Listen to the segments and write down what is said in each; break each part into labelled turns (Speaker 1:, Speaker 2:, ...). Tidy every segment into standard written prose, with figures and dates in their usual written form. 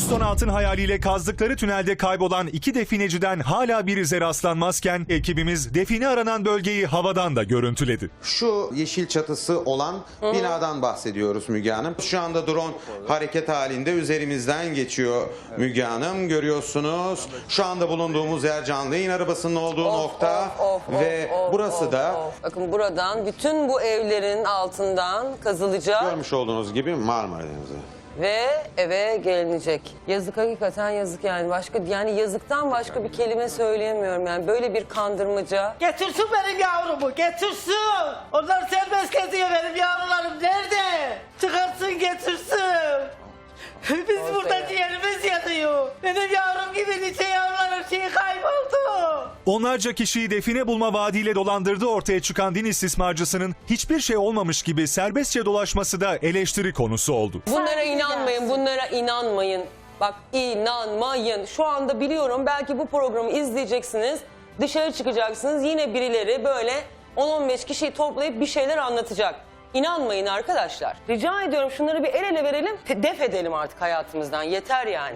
Speaker 1: Keystone altın hayaliyle kazdıkları tünelde kaybolan iki defineciden hala bir ize rastlanmazken ekibimiz define aranan bölgeyi havadan da görüntüledi.
Speaker 2: Şu yeşil çatısı olan binadan bahsediyoruz Müge Hanım. Şu anda drone hareket halinde üzerimizden geçiyor Müge Hanım. Görüyorsunuz. Şu anda bulunduğumuz yer canlı yayın arabasının olduğu nokta ve burası da
Speaker 3: Bakın buradan bütün bu evlerin altından kazılacak
Speaker 2: görmüş olduğunuz gibi Marmara Denizi.
Speaker 3: ve eve gelinecek. Yazık, hakikaten yazık yani. Yani yazıktan başka bir kelime söyleyemiyorum yani. Böyle bir kandırmaca.
Speaker 4: Getirsin benim yavrumu, getirsin. Onlar serbest geziyor, benim yavrularım nerede? Çıkarsın, getirsin. Biz burada ciğerimiz yanıyor. Benim yavrum gibi nice yavruların şeyi kayboldu.
Speaker 1: Onlarca kişiyi define bulma vaadiyle dolandırdığı ortaya çıkan din istismarcısının hiçbir şey olmamış gibi serbestçe dolaşması da eleştiri konusu oldu.
Speaker 3: Bunlara inanmayın, bunlara inanmayın. Bak, inanmayın. Şu anda biliyorum, belki bu programı izleyeceksiniz, dışarı çıkacaksınız, yine birileri böyle 10-15 kişiyi toplayıp bir şeyler anlatacak. İnanmayın arkadaşlar. Rica ediyorum, şunları bir el ele verelim, def edelim artık hayatımızdan. Yeter yani.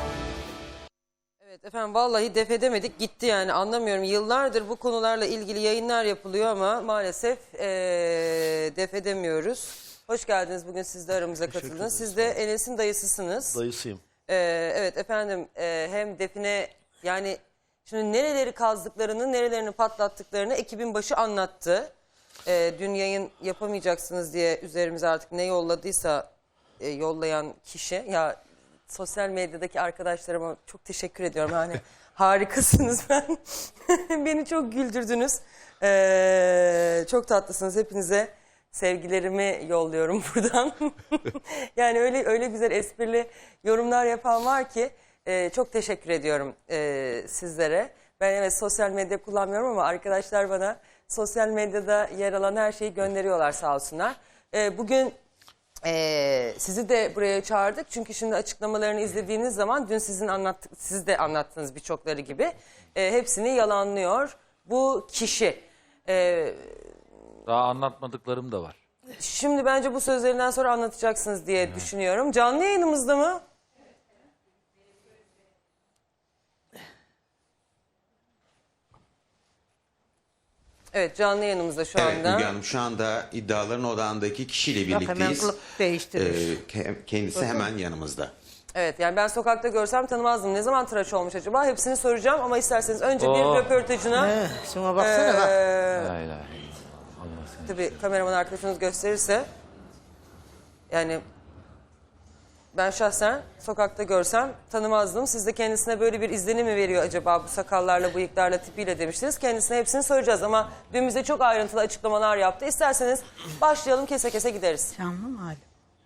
Speaker 3: Evet efendim, vallahi def edemedik, gitti yani, anlamıyorum. Yıllardır bu konularla ilgili yayınlar yapılıyor ama maalesef def edemiyoruz. Hoş geldiniz, bugün siz de aramıza katıldınız. Siz de Enes'in dayısısınız.
Speaker 5: Dayısıyım.
Speaker 3: Evet efendim, hem define, yani şimdi nereleri kazdıklarını, nerelerini patlattıklarını ekibin başı anlattı. Dün yayın yapamayacaksınız diye üzerimize artık ne yolladıysa yollayan kişi, ya sosyal medyadaki arkadaşlarıma çok teşekkür ediyorum. Yani harikasınız ben. Beni çok güldürdünüz. Çok tatlısınız. Hepinize sevgilerimi yolluyorum buradan. Yani öyle güzel esprili yorumlar yapan var ki çok teşekkür ediyorum sizlere. Ben evet sosyal medya kullanmıyorum ama arkadaşlar bana sosyal medyada yer alan her şeyi gönderiyorlar, sağ olsunlar. Bugün sizi de buraya çağırdık. Çünkü şimdi açıklamalarını izlediğiniz zaman dün siz de anlattığınız birçokları gibi hepsini yalanlıyor bu kişi.
Speaker 6: Daha anlatmadıklarım da var.
Speaker 3: Şimdi bence bu sözlerinden sonra anlatacaksınız diye düşünüyorum. Canlı yayınımızda mı? Evet, canlı yayınımızda şu
Speaker 2: Evet
Speaker 3: anda.
Speaker 2: Müge Hanım, şu anda iddiaların odağındaki kişiyle
Speaker 4: Bak, hemen
Speaker 2: birlikteyiz.
Speaker 4: kılık değiştirmiş.
Speaker 2: Kendisi hemen yanımızda.
Speaker 3: Evet, yani ben sokakta görsem tanımazdım. Ne zaman tıraş olmuş acaba? Hepsini soracağım ama isterseniz önce bir röportajına...
Speaker 4: Şuna baksana bak.
Speaker 6: Hayır.
Speaker 3: Tabii kameraman arkadaşınız gösterirse. Yani ben şahsen sokakta görsem tanımazdım. Siz de kendisine böyle bir izlenim mi veriyor acaba bu sakallarla, bıyıklarla, tipiyle demiştiniz. Kendisine hepsini soracağız ama dün bize çok ayrıntılı açıklamalar yaptı. İsterseniz başlayalım, kese kese gideriz.
Speaker 4: Canlı mı hala?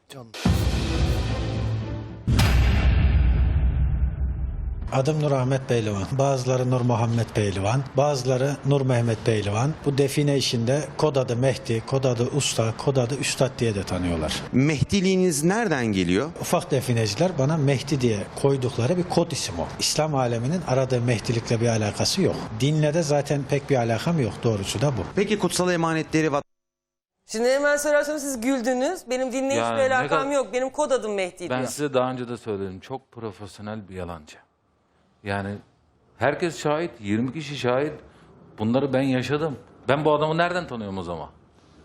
Speaker 5: Adım Nur Ahmet Pehlivan. Bazıları Nur Muhammed Pehlivan, bazıları Nur Mehmet Pehlivan. Bu define işinde kod adı Mehdi, kod adı Usta, kod adı Üstad diye de tanıyorlar.
Speaker 2: Mehdiliğiniz nereden geliyor?
Speaker 5: Ufak defineciler bana Mehdi diye koydukları bir kod isim o. İslam aleminin aradığı Mehdilikle bir alakası yok. Dinle de zaten pek bir alakam yok, doğrusu da bu.
Speaker 2: Peki kutsal emanetleri
Speaker 3: Şimdi hemen söylersem siz güldünüz. Benim dinle
Speaker 6: Yani
Speaker 3: hiçbir
Speaker 6: ne
Speaker 3: alakam
Speaker 6: kadar-
Speaker 3: yok. Benim kod adım Mehdi
Speaker 6: Ben
Speaker 3: diyor.
Speaker 6: size daha önce de söyledim. Çok profesyonel bir yalancı. Yani herkes şahit. 20 kişi şahit. Bunları ben yaşadım. Ben bu adamı nereden tanıyorum o zaman?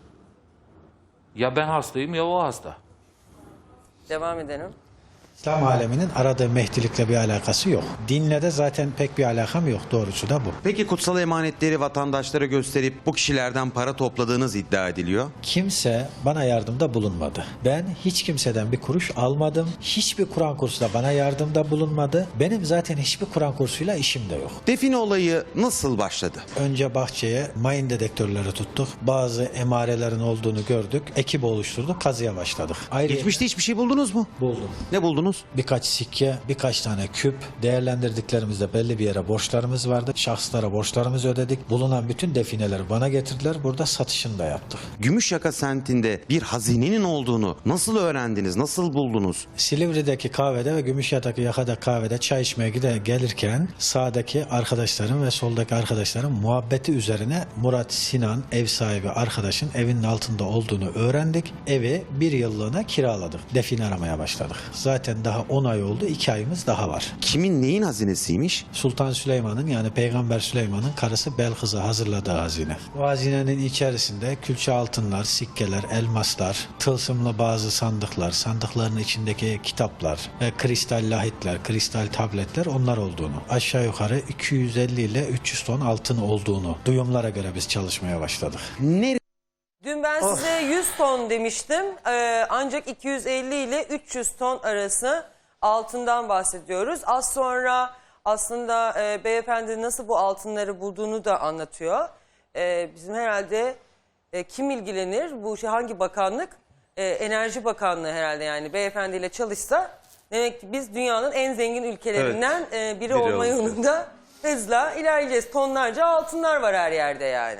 Speaker 6: Ya ben hastayım ya o hasta.
Speaker 3: Devam edelim.
Speaker 5: İslam aleminin aradığı Mehdilikle bir alakası yok. Dinle de zaten pek bir alakam yok, doğrusu da bu.
Speaker 2: Peki kutsal emanetleri vatandaşlara gösterip bu kişilerden para topladığınız iddia ediliyor.
Speaker 5: Kimse bana yardımda bulunmadı. Ben hiç kimseden bir kuruş almadım. Hiçbir Kur'an kursu da bana yardımda bulunmadı. Benim zaten hiçbir Kur'an kursuyla işim de yok.
Speaker 2: Define olayı nasıl başladı?
Speaker 5: Önce bahçeye mayın dedektörleri tuttuk. Bazı emarelerin olduğunu gördük. Ekip oluşturduk. Kazıya başladık.
Speaker 2: Geçmişte hiçbir şey buldunuz mu?
Speaker 5: buldum.
Speaker 2: Ne buldunuz?
Speaker 5: Birkaç sikke, birkaç tane küp, değerlendirdiklerimizde belli bir yere borçlarımız vardı. Şahıslara borçlarımızı ödedik. Bulunan bütün defineleri bana getirdiler. Burada satışını da yaptık.
Speaker 2: Gümüşyaka semtinde bir hazinenin olduğunu nasıl öğrendiniz? Nasıl buldunuz?
Speaker 5: Silivri'deki kahvede ve Gümüşyaka'da kahvede çay içmeye gelirken sağdaki arkadaşlarım ve soldaki arkadaşlarım muhabbeti üzerine Murat Sinan, ev sahibi arkadaşın evinin altında olduğunu öğrendik. Evi bir yıllığına kiraladık. Define aramaya başladık. Zaten geldiğinden daha 10 ay oldu. 2 ayımız daha var.
Speaker 2: Kimin neyin hazinesiymiş?
Speaker 5: Sultan Süleyman'ın yani Peygamber Süleyman'ın karısı Belkıs'a hazırladığı hazine. Bu hazinenin içerisinde külçe altınlar, sikkeler, elmaslar, tılsımlı bazı sandıklar, sandıkların içindeki kitaplar ve kristal lahitler, kristal tabletler onlar olduğunu, aşağı yukarı 250 ile 300 ton altın olduğunu duyumlara göre biz çalışmaya başladık.
Speaker 2: Nereye
Speaker 3: Dün ben size 100 ton demiştim. Ancak 250 ile 300 ton arası altından bahsediyoruz. Az sonra aslında beyefendi nasıl bu altınları bulduğunu da anlatıyor. Bizim herhalde kim ilgilenir? Bu şey hangi bakanlık? Enerji Bakanlığı herhalde, yani beyefendiyle çalışsa demek ki biz dünyanın en zengin ülkelerinden biri olma yolunda hızla ilerleyeceğiz. Tonlarca altınlar var her yerde yani.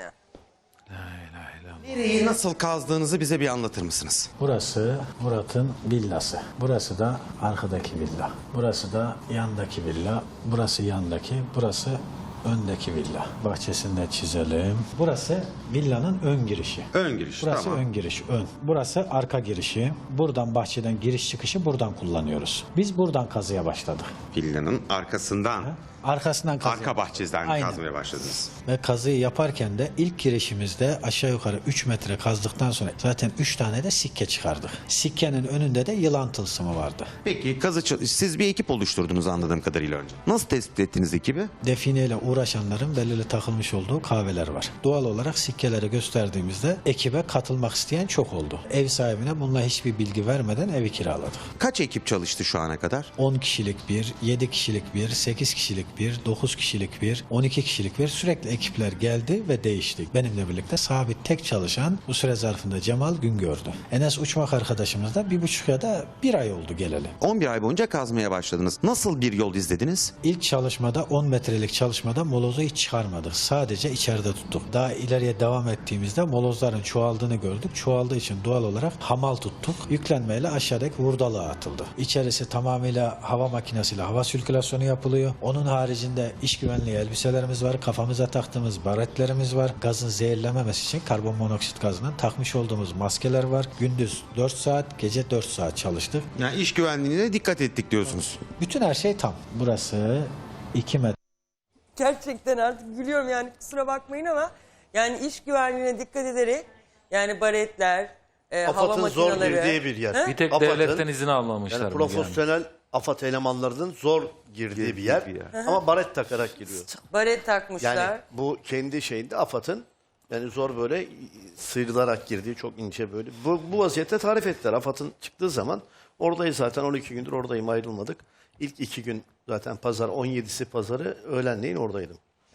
Speaker 2: Nereyi nasıl kazdığınızı bize bir anlatır mısınız?
Speaker 5: Burası Murat'ın villası. Burası da arkadaki villa. Burası da yandaki villa. Burası yandaki. Burası öndeki villa. Bahçesini de çizelim. Burası villanın ön girişi.
Speaker 2: Ön giriş,
Speaker 5: Burası
Speaker 2: tamam.
Speaker 5: ön giriş, ön. Burası arka girişi. Buradan bahçeden giriş çıkışı buradan kullanıyoruz. Biz buradan kazıya başladık.
Speaker 2: Villanın arkasından,
Speaker 5: Arkasından kazıya.
Speaker 2: arka bahçeden
Speaker 5: Aynen.
Speaker 2: kazmaya başladınız.
Speaker 5: Ve kazıyı yaparken de ilk girişimizde aşağı yukarı 3 metre kazdıktan sonra zaten 3 tane de sikke çıkardık. Sikkenin önünde de yılan tılsımı vardı.
Speaker 2: Peki siz bir ekip oluşturdunuz anladığım kadarıyla önce. Nasıl tespit ettiniz ekibi?
Speaker 5: Defineyle uğraşanların belirli takılmış olduğu kahveler var. Doğal olarak sikkeleri gösterdiğimizde ekibe katılmak isteyen çok oldu. Ev sahibine bununla hiçbir bilgi vermeden evi kiraladık.
Speaker 2: Kaç ekip çalıştı şu ana kadar?
Speaker 5: 10 kişilik bir, 7 kişilik bir, 8 kişilik bir, 9 kişilik bir, 12 kişilik bir, sürekli ekipler geldi ve değişti. Benimle birlikte sabit tek çalışan bu süre zarfında Cemal Güngör'dü. Enes Uçmak arkadaşımız da 1,5 ya da 1 ay oldu geleli.
Speaker 2: 11 ay boyunca kazmaya başladınız. Nasıl bir yol izlediniz?
Speaker 5: İlk çalışmada 10 metrelik çalışmada molozu hiç çıkarmadık. Sadece içeride tuttuk. Daha ileriye devam ettiğimizde molozların çoğaldığını gördük. Çoğaldığı için doğal olarak hamal tuttuk. Yüklenmeyle aşağıdaki hurdalığa atıldı. İçerisi tamamıyla hava makinesiyle hava sirkülasyonu yapılıyor. Onun haricinde iş güvenliği elbiselerimiz var. Kafamıza taktığımız baretlerimiz var. Gazın zehirlememesi için karbon monoksit gazından takmış olduğumuz maskeler var. Gündüz 4 saat, gece 4 saat çalıştık.
Speaker 2: Yani iş güvenliğine dikkat ettik diyorsunuz.
Speaker 5: Bütün her şey tam. Burası 2 metre.
Speaker 3: Gerçekten artık gülüyorum yani, kusura bakmayın ama yani iş güvenliğine dikkat ederek yani baretler, hava
Speaker 7: AFAD'ın zor
Speaker 3: makineleri.
Speaker 7: girdiği bir yer.
Speaker 3: He?
Speaker 6: Bir tek
Speaker 7: AFAD'ın,
Speaker 6: devletten izin almamışlar.
Speaker 7: Yani
Speaker 6: Müge Hanım.
Speaker 7: profesyonel AFAD elemanlarının zor girdiği bir yer. Ama baret takarak giriyor.
Speaker 3: Baret takmışlar.
Speaker 7: Yani bu kendi şeyinde AFAD'ın yani zor böyle sıyrılarak girdiği, çok ince böyle. Bu vaziyette tarif ettiler. AFAD'ın çıktığı zaman oradayız zaten, 12 gündür oradayım, ayrılmadık. İlk 2 gün zaten pazar, 17'si pazarı öğlenleyin oradaydım.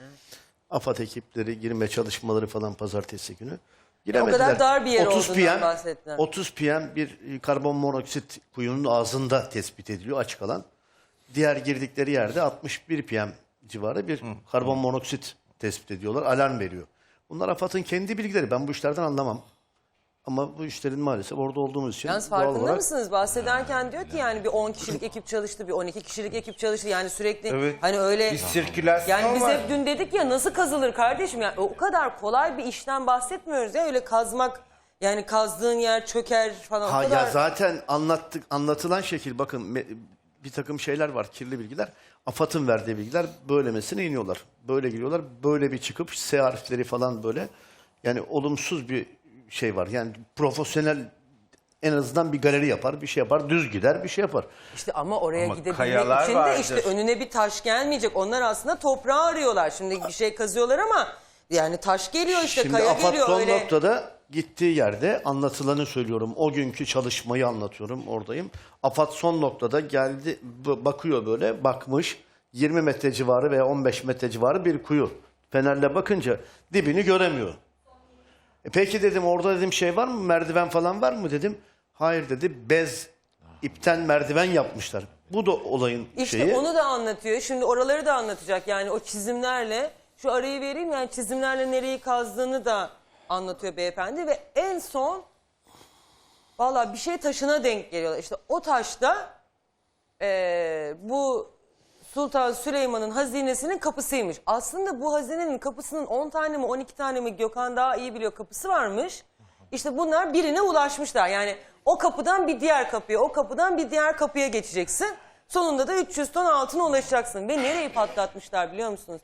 Speaker 7: AFAD ekipleri girme çalışmaları falan pazartesi günü. Giremediler.
Speaker 3: O kadar dar bir yer
Speaker 7: 30
Speaker 3: olduğundan
Speaker 7: PM,
Speaker 3: bahsettiler.
Speaker 7: 30 PM bir karbon monoksit kuyunun ağzında tespit ediliyor, açık alan. Diğer girdikleri yerde 61 PM civarı bir karbon monoksit tespit ediyorlar, alarm veriyor. Bunlar AFAD'ın kendi bilgileri. Ben bu işlerden anlamam. Ama bu işlerin maalesef orada olduğumuz için
Speaker 3: Yalnız
Speaker 7: doğal
Speaker 3: farkında
Speaker 7: olarak...
Speaker 3: mısınız? Bahsederken diyor ki yani bir 10 kişilik ekip çalıştı, bir 12 kişilik ekip çalıştı. Yani sürekli hani öyle...
Speaker 8: Bir sirkülasyon
Speaker 3: Yani biz
Speaker 8: var.
Speaker 3: hep dün dedik ya, nasıl kazılır kardeşim? Yani o kadar kolay bir işten bahsetmiyoruz ya, öyle kazmak, yani kazdığın yer çöker falan.
Speaker 7: Ha
Speaker 3: o kadar...
Speaker 7: ya zaten anlatılan şekil, bakın bir takım şeyler var, kirli bilgiler. AFAD'ın verdiği bilgiler böylemesine iniyorlar. Böyle giriyorlar. Böyle bir çıkıp S harfleri falan böyle. Yani olumsuz bir şey var. Yani profesyonel en azından bir galeri yapar, bir şey yapar, düz gider, bir şey yapar.
Speaker 3: İşte ama oraya
Speaker 8: Ama
Speaker 3: gidebilmek
Speaker 8: kayalar
Speaker 3: için de
Speaker 8: vardır.
Speaker 3: işte önüne bir taş gelmeyecek. Onlar aslında toprağı arıyorlar. Şimdi bir şey kazıyorlar ama yani taş geliyor işte,
Speaker 7: Şimdi
Speaker 3: kaya
Speaker 7: AFAD
Speaker 3: geliyor
Speaker 7: son
Speaker 3: öyle.
Speaker 7: noktada gittiği yerde anlatılanı söylüyorum. O günkü çalışmayı anlatıyorum, oradayım. AFAD son noktada geldi, bakıyor böyle, bakmış. 20 metre civarı veya 15 metre civarı bir kuyu. Fenerle bakınca dibini göremiyor. Peki dedim, orada dedim şey var mı, merdiven falan var mı dedim. Hayır dedi, bez ipten merdiven yapmışlar. Bu da olayın
Speaker 3: İşte
Speaker 7: şeyi.
Speaker 3: onu da anlatıyor. Şimdi oraları da anlatacak. Yani o çizimlerle, şu arayı vereyim, yani çizimlerle nereyi kazdığını da anlatıyor beyefendi. Ve en son valla bir şey taşına denk geliyorlar. İşte o taşta bu Sultan Süleyman'ın hazinesinin kapısıymış. Aslında bu hazinenin kapısının 10 tane mi 12 tane mi, Gökhan daha iyi biliyor, kapısı varmış. İşte bunlar birine ulaşmışlar. Yani o kapıdan bir diğer kapıya, o kapıdan bir diğer kapıya geçeceksin. Sonunda da 300 ton altına ulaşacaksın. Ve nereyi patlatmışlar biliyor musunuz?